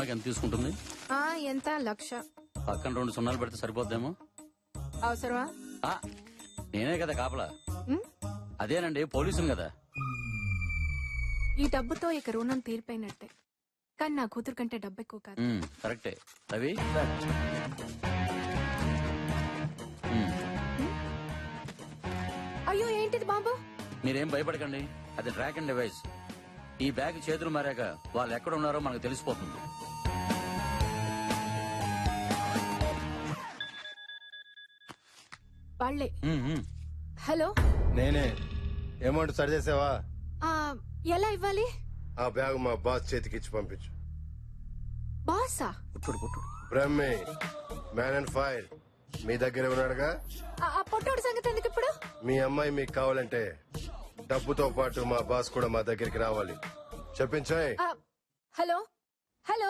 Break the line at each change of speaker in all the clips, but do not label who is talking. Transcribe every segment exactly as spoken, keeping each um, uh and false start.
సినిమాకి ఎంత తీసుకుంటుంది?
ఆ ఎంత లక్ష.
పక్కన రెండు సున్నాలు పెడితే సరిపోద్దేమో.
అవసరమా?
ఆ, నేనే కదా కాపలా.
ఉమ్,
అదేనండి పోలీసుని కదా.
ఈ డబ్బుతో ఇక రుణం తీరిపోయినట్టే. కానీ నా కూతురు కంటే డబ్బు ఎక్కువ కాదు.
ఉమ్, కరెక్టే రవి. ఉమ్,
అయ్యో ఏంటిది బాబు?
మీరేం భయపడకండి, అది ట్రాక్ అండ్ డివైస్. ఈ బ్యాగ్ చేతులు మారాక వాళ్ళు ఎక్కడ ఉన్నారో మనకు తెలిసిపోతుంది.
వాళ్ళే.
ఉమ్, ఉమ్.
హలో,
నేనే. అమౌంట్ సరి చేసావా?
ఆ, ఎలా ఇవ్వాలి?
ఆ బ్యాగ్ మా బాస్ చేతికి ఇచ్చి పంపించు.
బాసా?
కుట్టుడు కుట్టుడు.
బ్రహ్మి మ్యాన్ అండ్ ఫైర్ మీ దగ్గర ఉన్నాడుగా.
ఆ ఆ పొట్టోడు సంగతి ఎందుకు ఇప్పుడు?
మీ అమ్మాయి మీకు కావాలంటే డబ్బుతో పాటు మా బాస్ కూడా మా దగ్గరికి రావాలి. చెప్పించాయి.
ఆ, హలో హలో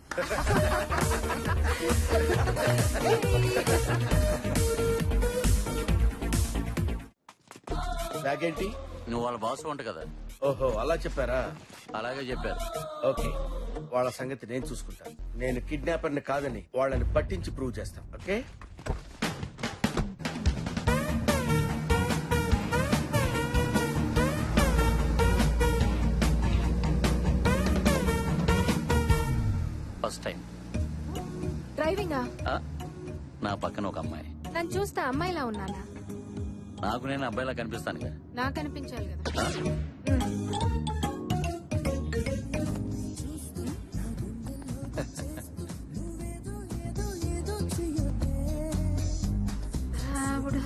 బ్యాగ్ ఏంటి?
నువ్వు వాళ్ళ బాస్ వంట కదా.
ఓహో అలా చెప్పారా?
అలాగే చెప్పారు.
ఓకే, వాళ్ళ సంగతి నేను చూసుకుంటాను. నేను కిడ్నాపర్ ని కాదని వాళ్ళని పట్టించి ప్రూవ్ చేస్తాను. ఓకే.
ఫస్ట్ టైం
డ్రైవింగా?
నా పక్కన ఒక అమ్మాయి.
నన్ను చూస్తే అమ్మాయిలా ఉన్నానా?
నాకు నేను అబ్బాయిలా కనిపిస్తానుగా.
నాకు అనిపించాలి కదా.
ఆ?
ఆవిడ.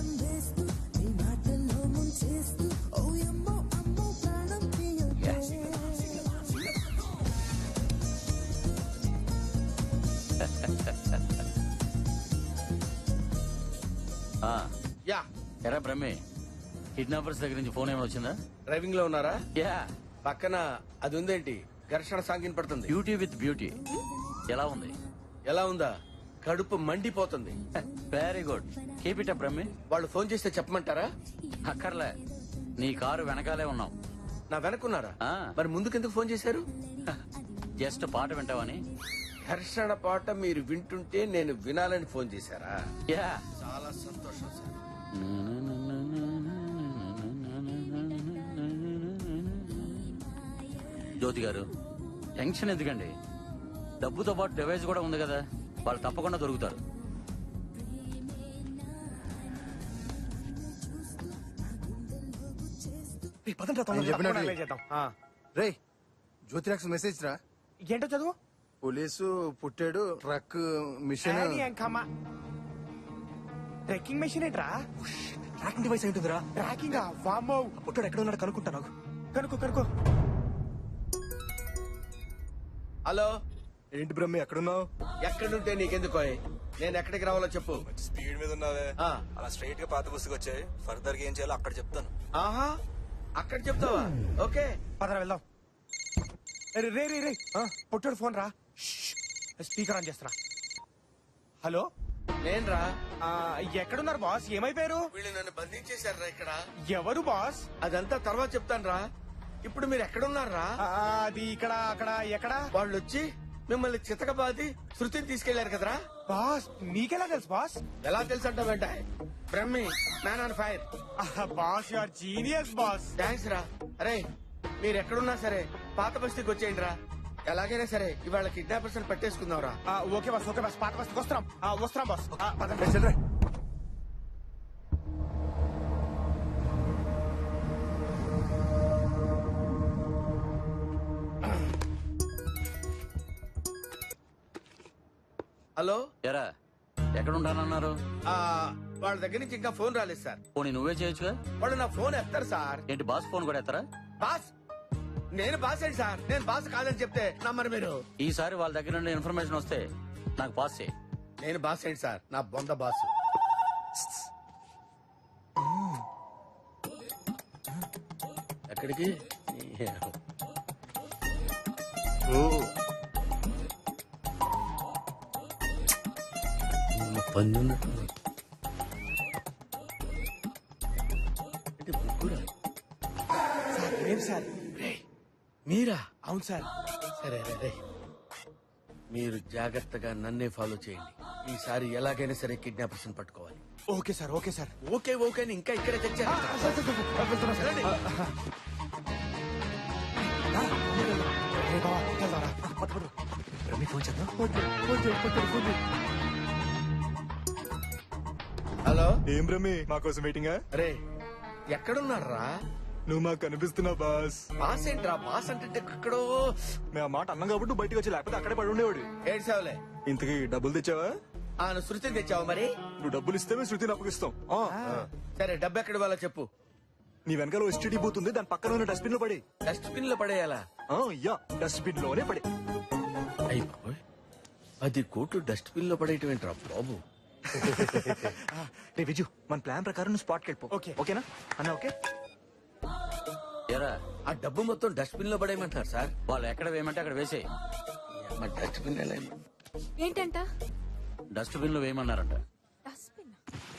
ఆ,
యా,
ఎరా బ్రహ్మే, కిడ్నాపర్స్ దగ్గర నుంచి ఫోన్ ఏమైనా వచ్చిందా?
డ్రైవింగ్ లో ఉన్నారా?
యా.
పక్కన అది ఉందేంటి? ఘర్షణ సాంగిన్ పడుతుంది.
Beauty with beauty. ఎలా ఉంది?
ఎలా ఉందా? కడుపు మండిపోతుంది.
Very good, keep it up బ్రహ్మే.
వాళ్ళు ఫోన్ చేస్తే చెప్పమంటారా?
అక్కర్లే, నీ కారు వెనకాలే ఉన్నాం.
నా వెనకున్నారా?
ఆ.
మరి ముందుకెందుకు ఫోన్ చేశారు?
జస్ట్ పాట వింటావని.
ఘర్షణ పాట మీరు వింటుంటే నేను వినాలని ఫోన్ చేశారా?
యా.
చాలా సంతోషం సార్.
జ్యోతి గారు, టెన్షన్ ఎందుకండి? డబ్బుతో పాటు డివైస్ కూడా ఉంది కదా, వాళ్ళు తప్పకుండా దొరుకుతారు.
నేను చెప్పినట్టు రే జ్యోతిరాక్స్ మెసేజ్ రా.
ఏంటో చదువు.
పోలీసు పుట్టాడు, ట్రక్ మిషన్.
ట్రెక్కింగ్ మెషిన్ ఏంట్రా?
ట్రాకింగ్ డివైస్ ఏంటిదిరా?
ట్రాకింగ్ వామ్మో.
పుట్టాడు ఎక్కడ ఉన్నాడు కనుక్కుంటా. నాకు
కనుకో కనుకో.
హలో,
ఏంటి బ్రహ్మి ఎక్కడున్నావు?
ఎక్కడుంటే నీకెందుకో? నేను ఎక్కడికి రావాలో చెప్పు.
స్పీడ్ మీద ఉన్నావే,
ఆ.
అలా స్ట్రైట్ గా పాత బస్సుకి వచ్చాయి. ఫర్దర్ గా ఏం చేయాలో అక్కడ చెప్తాను.
ఆహా, అక్కడ చెప్తావా? ఓకే.
పదరా వెళ్దాం. రే రే రే రే పొట్టాడు ఫోన్ రా. స్పీకర్ ఆన్ చేస్తారా. హలో,
నేనురా.
ఆ, ఎక్కడున్నారు బాస్? ఏమైపోయారు?
వీళ్ళు నన్ను బంధించేశారా ఇక్కడ?
ఎవరు బాస్?
అదంతా తర్వాత చెప్తాను రా. ఇప్పుడు మీరు ఎక్కడున్నారా?
ఆ, అది ఇక్కడ అక్కడ ఎక్కడ?
వాళ్ళు వచ్చి మిమ్మల్ని చితకబాది శృతిని తీసుకెళ్లారు కదరా.
బాస్ మీకెలా తెలుసు బాస్?
ఎలా తెలుసు అంటావేంట? Brahmi man on fire.
ఆహా, boss you are genius boss.
Thanks రా. అరే, మీరు ఎక్కడున్నా సరే పాత బస్తీకి వచ్చేయండి రా. ఎలాగైనా సరే ఇవాళ కిడ్నాపర్స్ అని పట్టేసుకుందాం రా.
ఆ, ఓకే బాస్, ఓకే బాస్. పాత బస్కి వస్తున్నాం. ఆ, వస్తున్నాం బాస్. ఆ, పదండి.
రే, చెల్లిరా.
హలో.
ఎరా, ఎక్కడ ఉంటానన్నారు?
ఆ, వాళ్ళ దగ్గర నుంచి ఇంకా ఫోన్ రాలేదు సార్.
పోనీ నువ్వే చేయొచ్చుగా.
వాళ్ళు నా ఫోన్ ఎత్తారు సార్.
ఏంటి బాస్ ఫోన్ కూడా ఎత్తరా?
బాస్, నేను బాస్ ఏంటి సార్? నేను బాస్ కాదని చెప్తే నమ్మరు మీరు.
ఈసారి వాళ్ళ దగ్గర నుండి ఇన్ఫర్మేషన్ వస్తే నాకు పాస్ చేయి.
నేను బాస్ ఏంటి సార్? నా బొంద బాస్. ఎక్కడికి?
ఓ,
పందున్నట్టు ముగ్గురా?
సార్, లేదు సార్.
మీరా?
అవును సార్.
సరే రే రే. మీరు జాగ్రత్తగా నన్నే ఫాలో చేయండి. ఈసారి ఎలాగైనా సరే కిడ్నాపర్స్ పట్టుకోవాలి.
Okay sir okay sir
okay okay అని ఇంకా ఇక్కడే తెచ్చారు. రండి.
ఫోన్ చేద్దాం
హలో
ఏం రమి మా కోసం వెయిటింగా?
రే ఎక్కడున్నారా?
నువ్వు మాకు కనిపిస్తున్నావు బాస్.
బాస్ ఏంట్రా? బాస్ అంటే ఎక్కడో.
మేము ఆ మాట అన్నాం కాబట్టి నువ్వు బయటకు వచ్చి లేకపోతే అక్కడే పడి ఉండేవాడు.
ఏడ్చావులే.
ఇంతకీ డబ్బులు తెచ్చావా?
ఆ నువ్వు శృతిని తెచ్చావు మరి.
నువ్వు డబ్బులు ఇస్తే మేము శృతిని అప్పగిస్తాం. ఆ,
సరే డబ్బు ఎక్కడ ఇవ్వాలో చెప్పు.
నీ వెనకాల ఎస్టీడీ బూత్ ఉంది, దాని పక్కన ఉన్న డస్ట్బిన్ లో పడి.
డస్ట్బిన్ లో పడేయాలా?
యా డస్ట్బిన్ లోనే పడి.
అయ్యి బాబోయ్, పది కోట్లు డస్ట్బిన్ లో పడేయటం ఏంట్రా బాబు.
రే విజు, మన ప్లాన్ ప్రకారం నువ్వు స్పాట్కి వెళ్ళిపో.
ఓకే.
ఓకేనా అన్న? ఓకే.
ఎరా
ఆ డబ్బు మొత్తం డస్ట్బిన్ లో పడేయమంటారు సార్.
వాళ్ళు ఎక్కడ వేయమంటే అక్కడ వేసేయి.
మరి డస్ట్బిన్ ఎలా వేయమంటారు?
ఏంటంట
డస్ట్బిన్ లో వేయమన్నారంట.
డస్ట్బిన్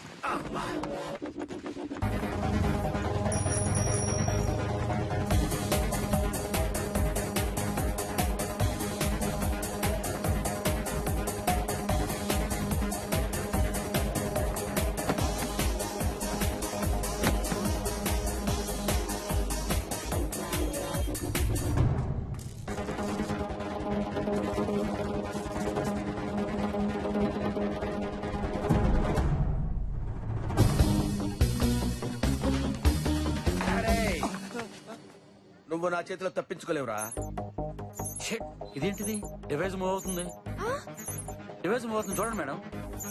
అరే, నువ్వు నా చేతిలో తప్పించుకోలేవురా.
షిట్, ఇదేంటిది? డివైస్ మూవ్ అవుతుంది. డివైస్ మూవ్ అవుతుంది చూడండి మేడం.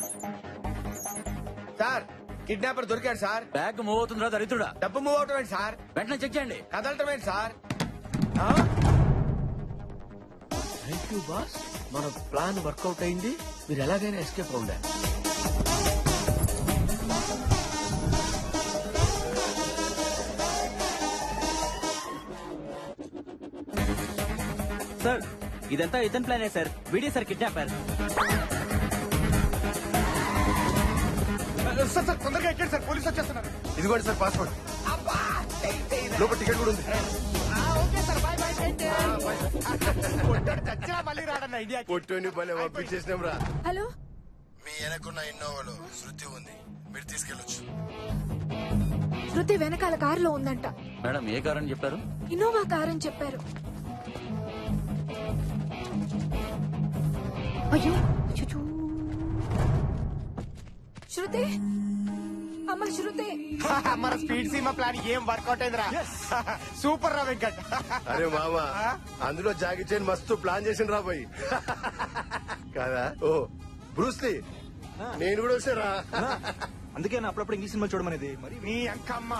సార్ కిడ్నాపర్ దొరికాడు సార్.
బ్యాగ్ మూవ్ అవుతుందిరా దరిద్రుడా.
డబ్బు మూవ్ అవటం ఏంటి సార్?
వెంటనే చెక్ చేయండి.
కదలటం ఏంటి సార్? థ్యాంక్ యూ బాస్, మన ప్లాన్ వర్కౌట్ అయింది. మీరు ఎలాగైనా ఎస్కేప్ అవుండారు.
సార్ ఇదంతా ఇతని ప్లానే sir. Video sir kidnapper.
Sir sir తొందరగా ఎక్కండి సార్, పోలీసు వచ్చేస్తున్నారు.
ఇదిగోండి సార్ పాస్పోర్ట్, లోపల టికెట్ కూడా ఉంది.
చచ్చినా మళ్ళీ రాడన్న ఇండియా.
పొట్టుని పని పంపించేసినాం రా.
హలో
మీ వెనకున్న ఇన్నోవాలో శృతి ఉంది, మీరు తీసుకెళ్ళొచ్చు.
శృతి వెనకాల కారులో ఉందంట.
మేడం ఏ కార్ అని చెప్పారు?
ఇన్నోవా కార్ అని చెప్పారు. అయ్యో అచ్చచ్చో. శృతి అమ్మ శృతి.
మన స్పీడ్ సీమా ప్లాన్ ఏం వర్కౌట్ అయిందిరా. సూపర్ రా వెంకట్.
అరే మామా, అందులో జాగి చైన్ మస్తు ప్లాన్ చేసిన రా పోయి కాదా? ఓ బ్రూస్లీ, నేను కూడా వచ్చారా?
అందుకే నా అప్పుడప్పుడు ఇంగ్లీష్ సినిమా చూడమనేది. మరి
నీ అంకమ్మ.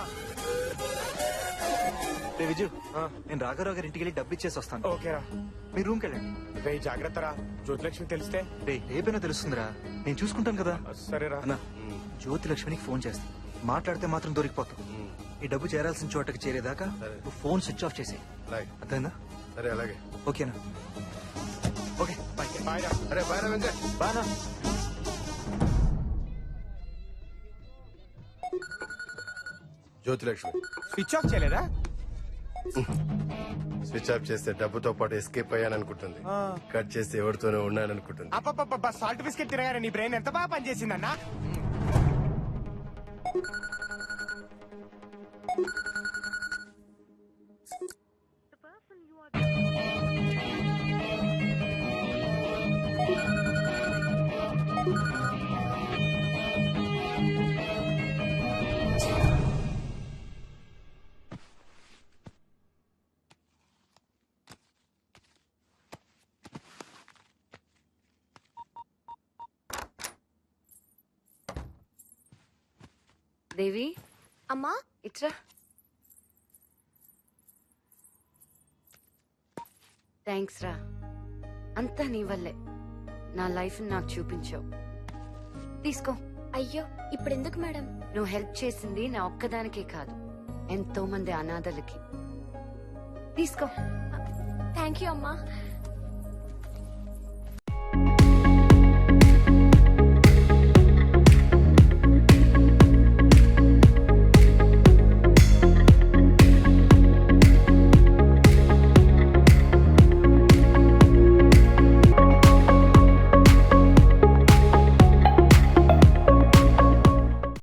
రే విజు, నేను రాఘరావు గారి ఇంటికి వెళ్ళి డబ్బు ఇచ్చేసి వస్తాను.
ఓకేరా,
మీ రూమ్కి వెళ్ళండి.
రే జాగ్రత్త రా, జ్యోతిలక్ష్మి తెలిస్తే.
రే రేపైనా తెలుస్తుందిరా, నేను చూసుకుంటాను కదా.
సరేరా.
అన్నా, జ్యోతి లక్ష్మికి ఫోన్ చేస్తా. మాట్లాడితే మాత్రం దొరికిపోతావు. ఈ డబ్బు చేరాల్సిన చోటకి చేరేదాకా నువ్వు ఫోన్ స్విచ్ ఆఫ్ చేసేయి.
అలాగే.
అర్థమైందా?
సరే అలాగే.
ఓకేనా? Okay bye.
బాయ్ రా.
అరే బాయ్ రా వెంకట్.
బానా.
జ్యోతిలక్ష్మి
స్విచ్ ఆఫ్ చేయలేదా?
స్విచ్ ఆఫ్ చేస్తే డబ్బుతో పాటు ఎస్కేప్ అయ్యాననుకుంటుంది. కట్ చేస్తే ఎవరితోనే ఉన్నాననుకుంటుంది.
అప్ప సాల్ట్ బిస్కెట్ తినగానే నీ బ్రెయిన్ ఎంత బాగా పనిచేసిందన్నా.
దేవి
అమ్మా
ఇట్రా. థ్యాంక్స్ రా, అంతా నీ వల్లే. నా లైఫ్ నాకు చూపించావు. తీసుకో.
అయ్యో ఇప్పుడెందుకు మేడం?
నువ్వు హెల్ప్ చేసింది నా ఒక్కదానికే కాదు, ఎంతో మంది అనాథలకి. తీసుకో.
థ్యాంక్ యూ అమ్మా.